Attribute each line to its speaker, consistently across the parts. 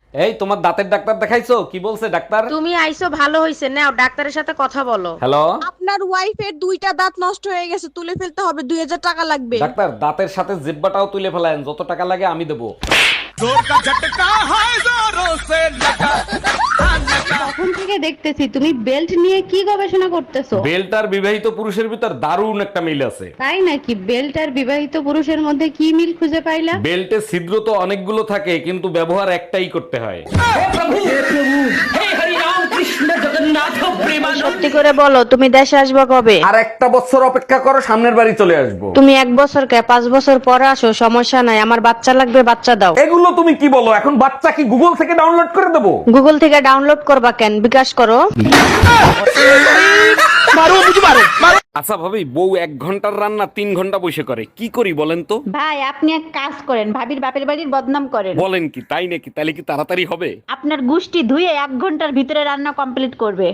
Speaker 1: এই তোমার দাঁতের ডাক্তার দেখাইছো? কি বলছে ডাক্তার?
Speaker 2: তুমি আইছো ভালো হইছে, নাও ডাক্তারের সাথে কথা বলো।
Speaker 1: হ্যালো
Speaker 3: আপনার ওয়াইফের দুইটা দাঁত নষ্ট হয়ে গেছে, তুলে ফেলতে হবে, 2000 টাকা লাগবে।
Speaker 1: ডাক্তার, দাঁতের সাথে জিব্বাটাও তুলে ফেলায়েন, যত টাকা লাগে আমি দেবো।
Speaker 4: তখন থেকে দেখতেছি তুমি বেল্ট নিয়ে কি গবেষণা করতেছো।
Speaker 1: বেল্ট আর বিবাহিত পুরুষের ভিতর দারুণ একটা মিল আছে।
Speaker 4: তাই নাকি? বেল্ট আর বিবাহিত পুরুষের মধ্যে কি মিল খুঁজে পাইলা?
Speaker 1: বেল্টে ছিদ্র তো অনেকগুলো থাকে, কিন্তু ব্যবহার একটাই করতে হয়।
Speaker 2: সত্যি করে বলো, তুমি দেশে আসবে কবে?
Speaker 1: আর একটা বছর অপেক্ষা করো, সামনের বাড়ি চলে আসবো।
Speaker 2: তুমি 1 বছর কে 5 বছর পরে আসো, সমস্যা নাই, আমার বাচ্চা লাগবে, বাচ্চা দাও।
Speaker 1: এগুলো তুমি কি বলো? এখন বাচ্চা কি গুগল থেকে ডাউনলোড করে দেবো?
Speaker 2: গুগল থেকে ডাউনলোড করবা কেন, বিকাশ করো।
Speaker 1: আচ্ছা ভাবি, বউ 1 ঘন্টার রান্না 3 ঘন্টা বসে করে, কি করি বলেন তো?
Speaker 4: ভাই আপনি এক কাজ করেন, ভাবির বাপের বাড়ির বদনাম করেন।
Speaker 1: বলেন কি, তাই নাকি? তাহলে কি তাড়াতাড়ি হবে?
Speaker 4: আপনার গুষ্টি ধুয়ে 1 ঘন্টার ভিতরে রান্না কমপ্লিট করবে।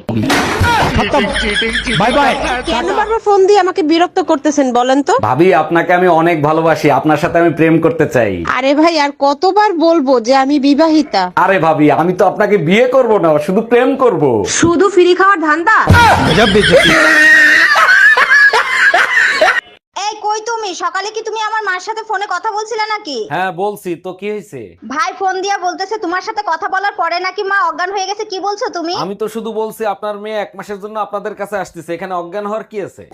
Speaker 1: Bye bye.
Speaker 3: কেন বারবার ফোন দিয়ে আমাকে বিরক্ত করতেছেন বলেন তো?
Speaker 1: ভাবি, আপনাকে আমি অনেক ভালোবাসি, আপনার সাথে আমি প্রেম করতে চাই।
Speaker 3: আরে ভাই, আর কতবার বলবো যে আমি বিবাহিতা?
Speaker 1: আরে ভাবি, আমি তো আপনাকে বিয়ে করব না, শুধু প্রেম করব।
Speaker 3: শুধু ফ্রি খাওয়ার ধান্দা?
Speaker 5: এই কই তুমি? সকালে কি তুমি আমার মার সাথে ফোনে কথা বলছিলে নাকি?
Speaker 1: হ্যাঁ বলছি তো, কি হয়েছে?
Speaker 5: ভাই ফোন দিয়া বলতেছে তোমার সাথে কথা বলার পরে নাকি মা অজ্ঞান হয়ে গেছে। কি বলছো তুমি?
Speaker 1: আমি তো শুধু বলছি আপনার মেয়ে 1 মাসের জন্য আপনাদের কাছে আসতেছে, এখানে অজ্ঞান হওয়ার কি আছে?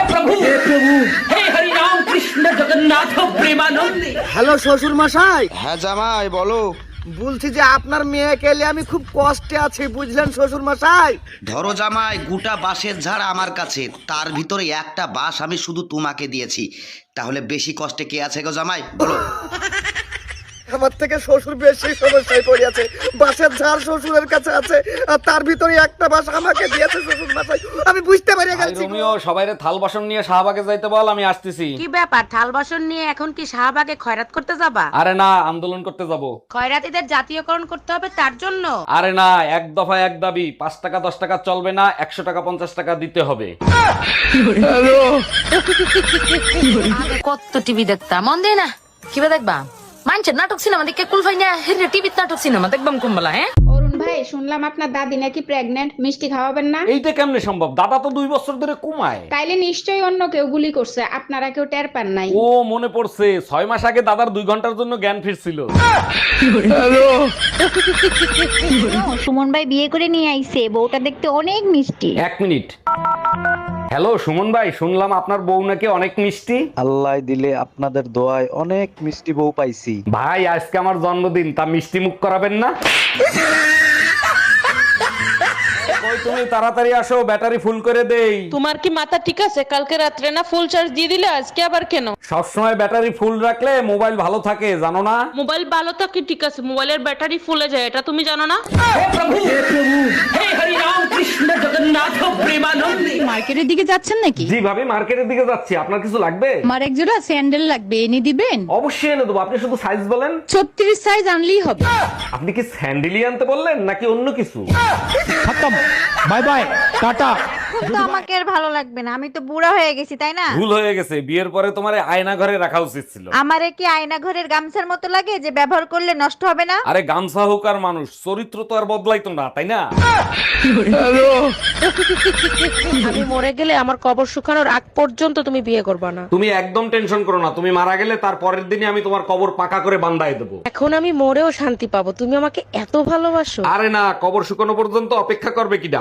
Speaker 6: হ্যালো শ্বশুর মশাই,
Speaker 7: হ্যাঁ জামাই বলো।
Speaker 6: বলছি যে আপনার মেয়েকে নিয়ে আমি খুব কষ্টে আছি, বুঝলেন শ্বশুর মশাই।
Speaker 7: ধরো জামাই, গোটা বাঁশের ঝাড় আমার কাছে, তার ভিতরে একটা বাঁশ আমি শুধু তোমাকে দিয়েছি, তাহলে বেশি কষ্টে কে আছে গো জামাই বলো?
Speaker 6: আমার থেকে শ্বশুর বেশি সমস্যায় পড়ে আছে। বাঁশের ঝাড় শ্বশুরের কাছে আছে, আর তার ভিতরে একটা বাঁশ আমাকে দিয়েছে শ্বশুর মশাই। আমি বুঝতে পারি
Speaker 1: ভাই
Speaker 6: গেছি।
Speaker 1: রোমিও, সবাইরে থাল বাসন নিয়ে শাহবাগে যাইতে বল, আমি আসতেছি।
Speaker 2: কি ব্যাপার, থাল বাসন নিয়ে এখন কি শাহবাগে খয়রাত করতে যাবা?
Speaker 1: আরে না, আন্দোলন করতে যাব।
Speaker 2: খয়রাতিদের জাতীয়করণ করতে হবে তার জন্য?
Speaker 1: আরে না, এক দফা এক দাবি, 5 টাকা 10 টাকা চলবে না, 100 টাকা 50 টাকা দিতে হবে।
Speaker 8: কত টিভি দেখতাম, মন দেয় না কিবা দেখবা মানছেন নাটক সিনেমা দেখে কুলফাই না হেরে টিভিতে নাটক সিনেমা দেখবাম কুম্বলা। হ্যাঁ
Speaker 9: অরুণ ভাই, শুনলাম আপনার দাদি নাকি প্রেগন্যান্ট, মিষ্টি খাওয়াবেন না?
Speaker 1: এইটা কেমনে সম্ভব? দাদা তো 2 বছর ধরে কমায়।
Speaker 9: তাইলে নিশ্চয়ই অন্য কেউ গুলি করছে, আপনারা কেউ টের পান নাই।
Speaker 1: ও মনে পড়ছে, 6 মাস আগে দাদার 2 ঘন্টার জন্য জ্ঞান ফিরছিল।
Speaker 4: সুমন ভাই বিয়ে করে নিয়ে আইছে, বউটা দেখতে অনেক মিষ্টি।
Speaker 1: 1 মিনিট। হ্যালো সুমন ভাই, শুনলাম আপনার বউ নাকি অনেক মিষ্টি।
Speaker 10: আল্লাহ দিলে আপনাদের দোয়ায় অনেক মিষ্টি বউ পাইছি।
Speaker 1: ভাই আজকে আমার জন্মদিন, তা মিষ্টি মুখ করাবেন না? কই তুমি, তাড়াতাড়ি আসো, ব্যাটারি ফুল করে দেই।
Speaker 11: তোমার কি মাথা ঠিক আছে? কালকে রাত্রে না ফুল চার্জ দিয়ে দিলে, আজকে আবার কেন?
Speaker 1: সবসময় ব্যাটারি ফুল রাখলে মোবাইল ভালো থাকে, জানো না?
Speaker 11: মোবাইল ভালো থাকে ঠিক আছে, মোবাইলের ব্যাটারি ফুলে যায়, এটা তুমি জানো না?
Speaker 4: মার্কেটের দিকে যাচ্ছেন নাকি?
Speaker 1: জি ভাবি, মার্কেটের দিকে যাচ্ছি, আপনার কিছু লাগবে?
Speaker 4: আমার এক জোড়া স্যান্ডেল লাগবে, এনে দিবেন?
Speaker 1: অবশ্যই এনে দেবো, আপনি শুধু সাইজ বলেন।
Speaker 4: 36 সাইজ আনলেই হবে।
Speaker 1: আপনি কি স্যান্ডেলি আনতে বললেন নাকি অন্য কিছু?
Speaker 6: Bye bye, tata.
Speaker 5: তো আমাকে আর ভালো লাগবে না, আমি তো বুড়া হয়ে গেছি তাই না?
Speaker 1: ভুল হয়ে গেছে, বিয়ের পরে তোমার আয়না ঘরে রাখা উচিত ছিল।
Speaker 5: আমারে কি আয়না ঘরের গামছার মতো লাগে যে ব্যবহার করলে নষ্ট হবে না?
Speaker 1: আরে গামছা হোক আর মানুষ, চরিত্র তো আর বদলাইতো না, তাই না?
Speaker 2: আমি মরে গেলে আমার কবর শুকানোর আগ পর্যন্ত তুমি বিয়ে করবা না।
Speaker 1: তুমি একদম টেনশন করো না, তুমি মারা গেলে তার পরের দিনই আমি তোমার কবর পাকা করে বান্ধাই দেবো।
Speaker 2: এখন আমি মরেও শান্তি পাবো, তুমি আমাকে এত ভালোবাসো।
Speaker 1: আরে না, কবর শুকানো পর্যন্ত অপেক্ষা করবে কিডা?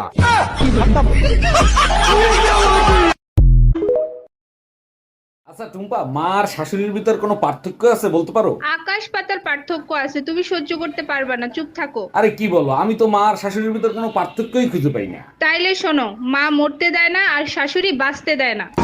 Speaker 1: আচ্ছা টুম্পা, মার শাশুড়ির ভিতর কোনো পার্থক্য আছে বলতে পারো?
Speaker 9: আকাশ পাতার পার্থক্য আছে, তুমি সহ্য করতে পারবা না, চুপ থাকো।
Speaker 1: আরে কি বলো, আমি তো মার শাশুড়ির ভিতর কোনো পার্থক্যই খুঁজে পাই না।
Speaker 9: তাইলে শোনো, মা মরতে দেয় না আর শাশুড়ি বাঁচতে দেয় না।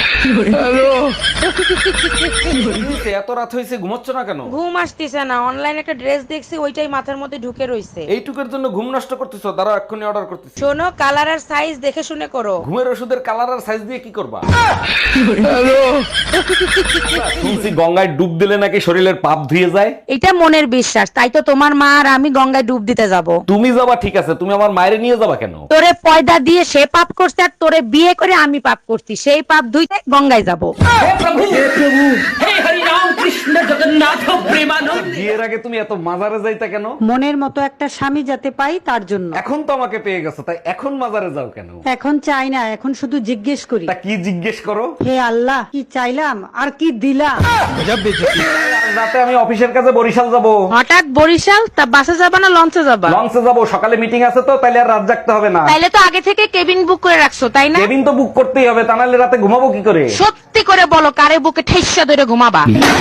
Speaker 1: এত রাত হয়েছে, ঘুমাচ্ছ না কেন?
Speaker 2: ঘুম আসতেছে না, অনলাইনে একটা ড্রেস দেখছি, ওইটাই মাথার মধ্যে ঢুকে রইছে।
Speaker 1: এইটুকের জন্য ঘুম নষ্ট করতেছো? দাঁড়াও, এক্ষুনি অর্ডার করতেছি।
Speaker 2: শোনো, কালার আর সাইজ দেখে শুনে করো।
Speaker 1: ঘুমের ওষুধের কালার আর সাইজ দিয়ে কি করবা? শুনছি গঙ্গায় ডুব দিলে নাকি শরীরের পাপ ধুয়ে যায়।
Speaker 2: এটা মনের বিশ্বাস, তাই তো তোমার মা আর আমি গঙ্গায় ডুব দিতে যাব।
Speaker 1: তুমি যাবা ঠিক আছে, তুমি আমার মায়েরে নিয়ে যাবা কেন?
Speaker 2: তোরে পয়দা দিয়ে সে পাপ করছে আর তোরে বিয়ে করে আমি পাপ করছি, সেই পাপ ধুইতে গঙ্গায় যাব।
Speaker 1: বিয়ের আগে তুমি এত মাজারে যাইতা কেন?
Speaker 11: মনের মতো একটা স্বামী যাতে পাই তার জন্য।
Speaker 1: এখন তো আমাকে পেয়ে গেছো, তাই এখন মাজারে যাও কেন?
Speaker 11: এখন চাই না, এখন শুধু জিজ্ঞেস করি,
Speaker 1: তা কি জিজ্ঞেস করো?
Speaker 11: হে আল্লাহ, কি চাইলাম আর কি দিলাম।
Speaker 1: রাতে আমি অফিসের কাছে বরিশাল যাব।
Speaker 2: হঠাৎ বরিশাল? তা বাসে যাবা না লঞ্চে যাবা?
Speaker 1: লঞ্চে যাব, সকালে মিটিং আছে তো, তাইলে আর রাত জাগতে হবে না।
Speaker 2: তাইলে তো আগে থেকে কেবিন বুক করে রাখছো, তাই না?
Speaker 1: কেবিন তো বুক করতেই হবে, তা নাহলে রাতে ঘুমাবো কি করে?
Speaker 2: সত্যি করে বলো, কারে বুকে ঠেসা ধরে ঘুমাবা?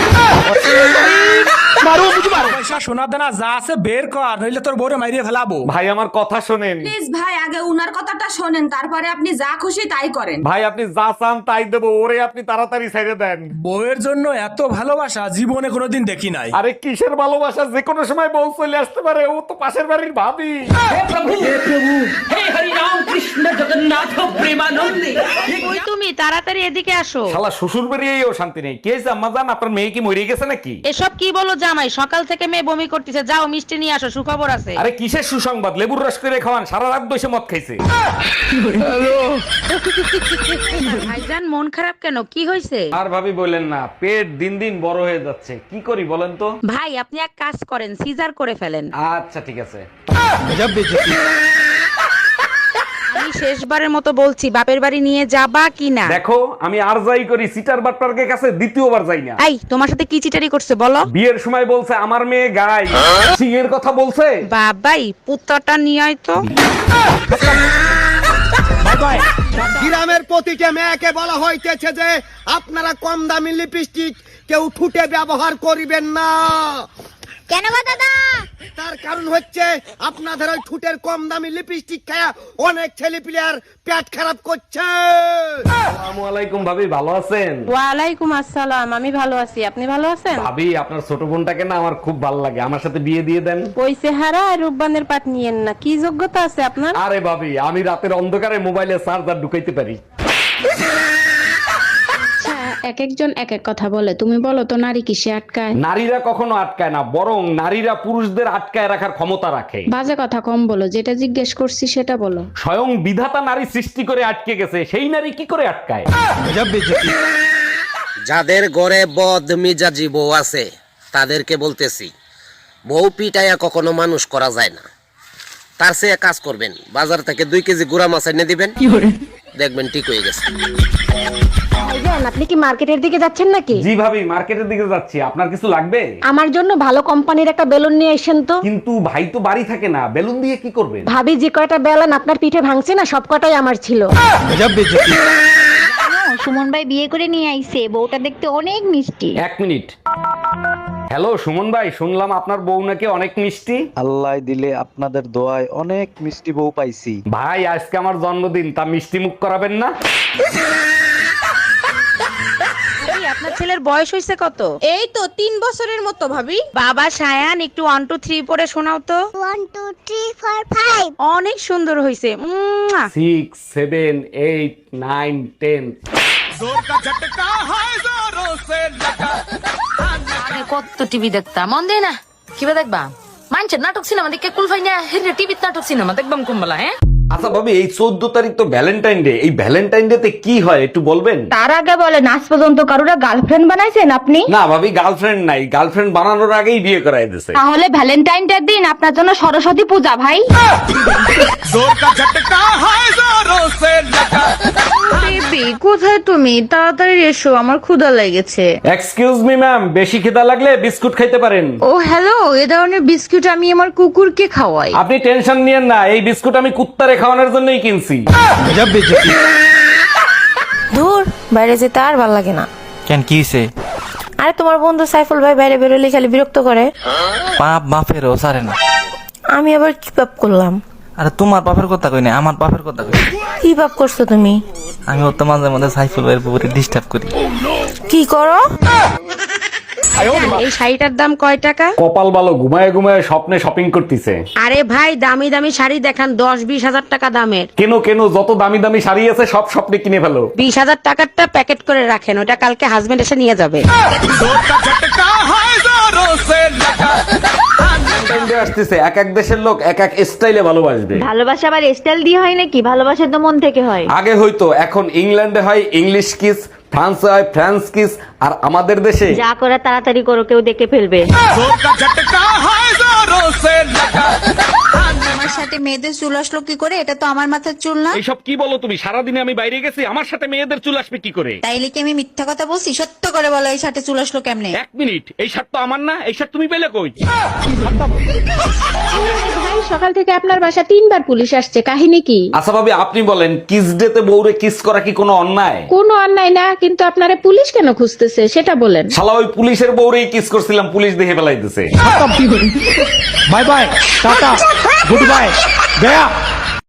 Speaker 6: সোনা দানা যা আছে বের কর, নইলে তোর বউরে মাইরিয়ে ফেলাবো।
Speaker 1: ভাই আমার কথা শোনেন।
Speaker 3: প্লিজ ভাই, আগে উনার কথাটা শোনেন, তারপরে আপনি যা খুশি তাই করেন।
Speaker 1: ভাই আপনি যা চান তাই দেবো, ওরে আপনি তাড়াতাড়ি ছেড়ে দেন।
Speaker 6: বউয়ের জন্য এত ভালোবাসা জীবনে কোনোদিন দেখি নাই।
Speaker 1: আরে কিসের ভালোবাসা, যে কোনো সময় বউ চলে আসতে পারে, ও তো পাশের বাড়ির ভাবি।
Speaker 2: ওই তুমি তাড়াতাড়ি এদিকে আসো।
Speaker 1: শালা শ্বশুর বাড়িয়েও শান্তি নেই। কে জাম্মা জান, আপনার মেয়ে কি মরে গেছে নাকি?
Speaker 2: এসব কি বলো জামাই, সকাল থেকে মেয়ে বমি করতেছে, যাও মিষ্টি নিয়ে আসো, সুখবর আছে।
Speaker 1: আরে কিসের সুসংবাদ, লেবুর রস করে খাওয়ান, সারা রাত বসে মদ খাইছে।
Speaker 2: ভাইজান মন খারাপ কেন, কি হয়েছে?
Speaker 1: আর ভাবি বলেন না, পেট দিন দিন বড় হয়ে যাচ্ছে, কি করি বলেন তো?
Speaker 2: ভাই আপনি এক কাজ করেন, সিজার করে ফেলেন।
Speaker 1: আচ্ছা ঠিক আছে।
Speaker 2: আমি শেষবারের মতো বলছি, বাপের বাড়ি নিয়ে যাবা কি না?
Speaker 1: দেখো আমি আর যাই করি, সিটার বাটপার্কের কাছে দ্বিতীয়বার যাই না।
Speaker 2: এই তোমার সাথে কি চিটারি করছে বলো?
Speaker 1: বিয়ের সময় বলছে আমার মেয়ে গাই, সিংহের কথা বলছে।
Speaker 2: বাবাই পুত্রটা নিয়ে আয় তো।
Speaker 6: গ্রামের প্রতিটা মেয়েকে বলা হইতেছে যে আপনারা কম দামি লিপস্টিক কেউ ঠুটে ব্যবহার করিবেন না।
Speaker 5: কেন গো দাদা?
Speaker 6: তার কারণ হচ্ছে আপনাদের ওই ঠুটের কম দামি লিপস্টিক খায়া অনেক ছেলে পিলের পেট খারাপ করছে।
Speaker 1: আসসালামু আলাইকুম ভাবি, ভালো আছেন?
Speaker 11: ওয়ালাইকুম আসসালাম, আমি ভালো আছি, আপনি ভালো আছেন?
Speaker 1: ভাবি আপনার ছোট বোনটাকে না আমার খুব ভালো লাগে, আমার সাথে বিয়ে দিয়ে দেন।
Speaker 11: ওই চেহারা আর রূপবানের পাট নিয়েন না, কি যোগ্যতা আছে আপনার?
Speaker 1: আরে ভাবি, আমি রাতের অন্ধকারে মোবাইলে চার্জার ঢুকাইতে পারি।
Speaker 9: এক একজন এক এক কথা বলে, তুমি বলো তো নারী কিসে আটকায়?
Speaker 1: নারীরা কখনো আটকায় না, বরং নারীরা পুরুষদের আটকায় রাখার ক্ষমতা রাখে।
Speaker 9: বাজে কথা কম বলো, যেটা জিজ্ঞেস করছি সেটা বলো।
Speaker 1: স্বয়ং বিধাতা নারী সৃষ্টি করে আটকে গেছে, সেই নারী কি করে আটকায়?
Speaker 7: যাদের ঘরে বদ মিজাজি বউ আছে তাদেরকে বলতেছি, বউ পিটাইয়া কখনো মানুষ করা যায় না। তার চেয়ে কাজ করবেন, বাজার থেকে 2 কেজি গুড়া মাছ এনে দিবেন, দেখবেন ঠিক হয়ে গেছে।
Speaker 5: আপনি কি মার্কেটের দিকে যাচ্ছেন নাকি?
Speaker 1: জি ভাবি, মার্কেটের দিকে যাচ্ছি, আপনার কিছু লাগবে?
Speaker 5: আমার জন্য ভালো কোম্পানির একটা বেলুন নিয়ে আসেন তো।
Speaker 1: কিন্তু ভাই তো বাড়ি থাকে না, বেলুন দিয়ে কি করবেন?
Speaker 5: ভাবি যে কয়টা বেলুন আপনার পিঠে ভাঙছে না, সব কটাই আমার ছিল।
Speaker 4: সুমন ভাই বিয়ে করে নিয়ে আইছে, বউটা দেখতে অনেক মিষ্টি।
Speaker 1: 1 মিনিট। হ্যালো সুমন ভাই, শুনলাম আপনার বউ নাকি অনেক মিষ্টি।
Speaker 10: আল্লাহ দিলে আপনাদের দোয়ায় অনেক মিষ্টি বউ পাইছি।
Speaker 1: ভাই আজকে আমার জন্মদিন, তা মিষ্টি মুখ করাবেন না?
Speaker 2: এই, আপনার ছেলের বয়স হয়েছে কত?
Speaker 3: এই তো 3 বছরের মতো ভাবি।
Speaker 2: বাবা সায়ান, একটু 1 2 3 পরে শোনাও তো।
Speaker 5: 1 2 3 4 5।
Speaker 2: অনেক সুন্দর হয়েছে।
Speaker 1: 6 7 8 9 10।
Speaker 8: আগে কত টিভি দেখতাম, মন দেয় না, কিবা দেখবা? মানছে নাটক সিনেমা দেখে কুলফাই না, হিরে টিভিতে নাটক সিনেমা দেখবাম কুম্বলা। হ্যাঁ
Speaker 1: আচ্ছা ভাবি, এই 14 তারিখ তো ভ্যালেন্টাইন ডে, এই ভ্যালেন্টাইন ডে তে কি হয় একটু বলবেন?
Speaker 4: তার আগে বলেন, আজ পর্যন্ত কারোরা গার্লফ্রেন্ড বানাইছেন আপনি?
Speaker 1: না ভাবি, গার্লফ্রেন্ড নাই, গার্লফ্রেন্ড বানানোর আগেই বিয়ে করাই দিয়েছে।
Speaker 4: তাহলে ভ্যালেন্টাইন ডে দিন আপনার জন্য সরস্বতী পূজা ভাই।
Speaker 11: বেবি কোথায় তুমি? তাড়াতাড়ি এসো, আমার ক্ষুধা লেগেছে।
Speaker 1: এক্সকিউজ মি ম্যাম, বেশি খিদা লাগলে বিস্কুট খাইতে পারেন।
Speaker 11: ও হ্যালো, এ ধরনের বিস্কুট আমি আমার কুকুরকে খাওয়াই।
Speaker 1: আপনি টেনশন নিয়েন না, এই বিস্কুট আমি কুত্তারে খাওয়ানোর জন্যই কিনছি।
Speaker 2: দূর, বাইরে যেতে আর ভালো লাগে না।
Speaker 12: কেন কি হইছে?
Speaker 2: আরে তোমার বন্ধু সাইফুল ভাই বাইরে বেরোলে খালি বিরক্ত করে।
Speaker 12: পাপ বাপেরও সারে না।
Speaker 2: আমি আবার কি পাপ করলাম?
Speaker 12: আরে তোমার বাপের কথা কই না, আমার বাপের কথা কই।
Speaker 2: কি পাপ করছো তুমি?
Speaker 12: আমি ওর তো মাঝে মাঝে সাইফুল ভাইয়ের পুকুরে ডিস্টার্ব করি।
Speaker 2: কি করো? এই শাড়িটার দাম কয় টাকা?
Speaker 1: কপাল ভালো, ঘুমায় ঘুমায় স্বপ্নে শপিং করতেছে।
Speaker 2: আরে ভাই, দামি দামি শাড়ি দেখান, 10-20 হাজার টাকা দামের।
Speaker 1: কেন কেন, যত দামি দামি শাড়ি আছে সব স্বপ্নে কিনে ফেলো।
Speaker 2: 20,000 টাকারটা প্যাকেট করে রাখেন, ওটা কালকে হাজবেন্ড এসে নিয়ে যাবে।
Speaker 1: আসতেছে, এক এক দেশের লোক এক এক স্টাইলে ভালোবাসবে।
Speaker 4: ভালোবাসা আবার স্টাইল দিয়ে হয় নাকি? ভালোবাসা তো মন থেকে হয়।
Speaker 1: আগে হয়তো, এখন ইংল্যান্ডে হয় ইংলিশ কিস, ফ্রান্সে হয় ফ্রান্স কিস, আর আমাদের দেশে
Speaker 4: যা করে তাড়াতাড়ি করো, কেউ দেখে ফেলবে।
Speaker 3: আমার সাথে মেয়েদের চুল আসলো কি করে? এটা তো আমার মাথার চুল না।
Speaker 1: এইসব কি বলো তুমি? সারাদিনে আমি বাইরে গেছি, আমার সাথে মেয়েদের চুল আসবে কি করে?
Speaker 3: তাইলে কি আমি মিথ্যা কথা বলছি? সত্য করে বলো, এই সাথে চুল আসলো কেমনে?
Speaker 1: এক মিনিট, এই শার্ট তো আমার না, এই শার্ট তুমি পেলে কই?
Speaker 9: ভাই, সকাল থেকে আপনার বাসা 3বার পুলিশ আসছে, কাহিনী কি?
Speaker 1: আচ্ছা ভাবি, আপনি বলেন, কিস ডে তে বউরে কিস করা কি কোনো অন্যায়?
Speaker 9: কোনো অন্যায় না, কিন্তু আপনারা পুলিশ কেন খুঁজতেছে সেটা বলেন।
Speaker 1: শালা ওই পুলিশের বউরেই কিস করছিলাম, পুলিশ দেখে ফেলাইতেছে।
Speaker 12: Bye bye, tata, good bye, Gaya.